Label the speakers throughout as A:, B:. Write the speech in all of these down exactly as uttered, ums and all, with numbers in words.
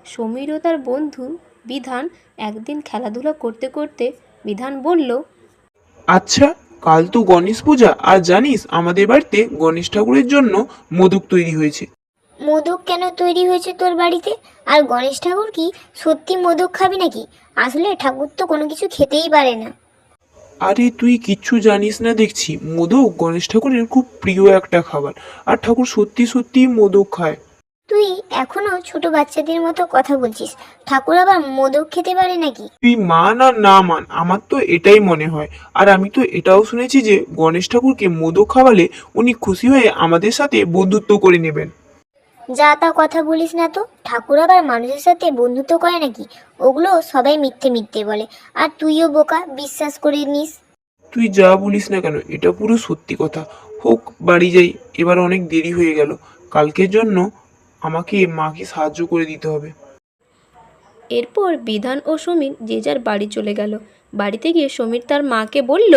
A: সমীর ও তার বন্ধু বিধান একদিন খেলাধুলা করতে করতে বিধান বলল,
B: আচ্ছা, কাল তো গণেশ পূজা, আর জানিস আমাদের বাড়িতে গণেশ ঠাকুরের জন্য মোদক তৈরি হয়েছে।
C: মোদক কেন তৈরি হয়েছে তোর বাড়িতে? আর গণেশ ঠাকুর কি সত্যি মোদক খাবি নাকি? আসলে ঠাকুর তো কোনো কিছু খেতেই পারে না।
B: আরে তুই কিচ্ছু জানিস না দেখছি, মোদক গণেশ ঠাকুরের খুব প্রিয় একটা খাবার, আর ঠাকুর সত্যি সত্যি মোদক খায়।
C: তুই এখনো ছোট বাচ্চাদের মতো কথা বলছিস। ঠাকুর আবার মোদক খেতে পারে নাকি?
B: তুই মান আর না মান, আমার তো এটাই মনে হয়। আর আমি তো এটাও শুনেছি যে গণেশ ঠাকুরকে মোদক খাওয়ালে উনি খুশি হয়ে আমাদের সাথে বন্ধুত্ব করে নেবেন।
C: যা তা কথা বলিস না তো। ঠাকুর আবার মানুষের সাথে বন্ধুত্ব করে নাকি? ওগুলো সবাই মিথ্যে মিথ্যে বলে, আর তুইও বোকা, বিশ্বাস করে নিস।
B: তুই যা বলিস না কেন, এটা পুরো সত্যি কথা। হোক, বাড়ি যাই, এবার অনেক দেরি হয়ে গেল। কালকের জন্য আমাকে মাকে সাহায্য করে দিতে হবে।
A: এরপর বিধান ও সমীর যে যার বাড়ি চলে গেল। বাড়িতে গিয়ে সমীর তার মাকে বলল,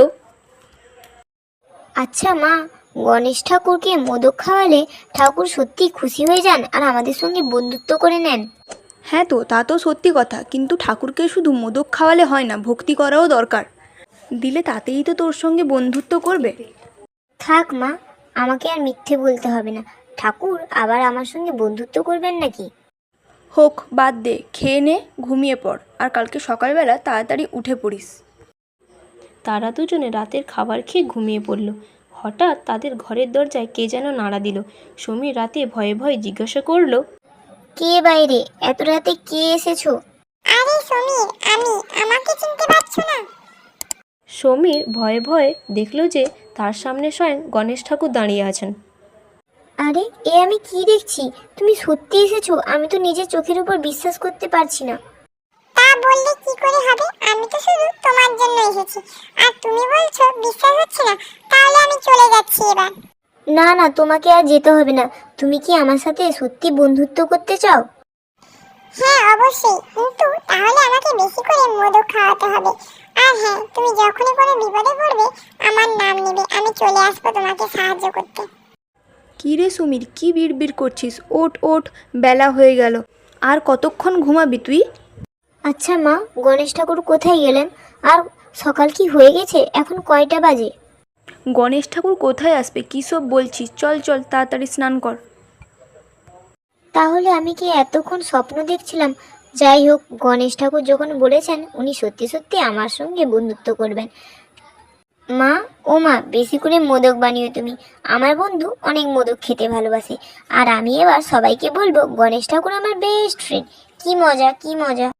C: আচ্ছা মা, গণেশ ঠাকুরকে মোদক খাওয়ালে ঠাকুর সত্যি খুশি হয়ে যান আর আমাদের সঙ্গে বন্ধুত্ব করে নেন?
D: হ্যাঁ তো, তা তো সত্যি কথা, কিন্তু ঠাকুরকে শুধু মোদক খাওয়ালে হয় না, ভক্তি করাও দরকার। দিলে তাতেই তো তোর সঙ্গে বন্ধুত্ব করবে।
C: থাক মা, আমাকে আর মিথ্যে বলতে হবে না। ঠাকুর আবার আমার সঙ্গে বন্ধুত্ব করবেন নাকি?
D: হোক, বাদ দে, খেয়ে নে, ঘুমিয়ে পড়, আর কালকে সকালবেলা তাড়াতাড়ি উঠে পড়িস।
A: তারা দুজনে রাতের খাবার খেয়ে ঘুমিয়ে পড়ল। হঠাৎ তাদের ঘরের দরজায় কে যেন নাড়া দিল। সমীর রাতে ভয়ে ভয়ে জিজ্ঞাসা করল,
C: কে বাইরে? এত রাতে কে এসেছো? আরে সমীর, আমি। আমাকে চিনতে পারছো না?
A: সমীর ভয়ে ভয়ে দেখল যে তার সামনে স্বয়ং গণেশ ঠাকুর দাঁড়িয়ে আছেন।
C: আরে, এ আমি কি দেখছি? তুমি সত্যি এসেছো? আমি তো নিজের চোখের উপর বিশ্বাস করতে পারছি না। তা বললে কি করে হবে? আমি তো শুধু তোমার জন্য এসেছি, আর তুমি বলছো বিশ্বাস হচ্ছে না। তাহলে আমি চলে যাচ্ছি এবার। না না, তোমাকে আর যেতে হবে না। তুমি কি আমার সাথে সত্যি বন্ধুত্ব করতে চাও? হ্যাঁ অবশ্যই, কিন্তু তাহলে আমাকে বেশি করে মোদক খাওয়াতে হবে। আর হ্যাঁ, তুমি যখনই কোনো বিপদে পড়বে আমার নাম নেবে, আমি চলে আসবো তোমাকে সাহায্য করতে।
D: কী রে সুমির, কি বিড়বিড় করছিস? ওঠ ওঠ, বেলা হয়ে গেল। আর কতক্ষণ ঘুমাবি তুই?
C: আচ্ছা মা, গণেশ ঠাকুর কোথায় গেলেন? আর সকাল কি হয়ে গেছে? এখন কয়টা বাজে?
D: গণেশ ঠাকুর কোথায় আসবে? কী সব বলছিস? চল চল, তাড়াতাড়ি স্নান কর।
C: তাহলে আমি কি এতক্ষণ স্বপ্ন দেখছিলাম? যাই হোক, গণেশ ঠাকুর যখন বলেছেন উনি সত্যি সত্যি আমার সঙ্গে বন্ধুত্ব করবেন। মা, ও মা, বেশি করে মোদক বানিও তুমি। আমার বন্ধু অনেক মোদক খেতে ভালোবাসে, আর আমি এবার সবাইকে বলবো গণেশ ঠাকুর আমার বেস্ট ফ্রেন্ড। কি মজা, কি মজা।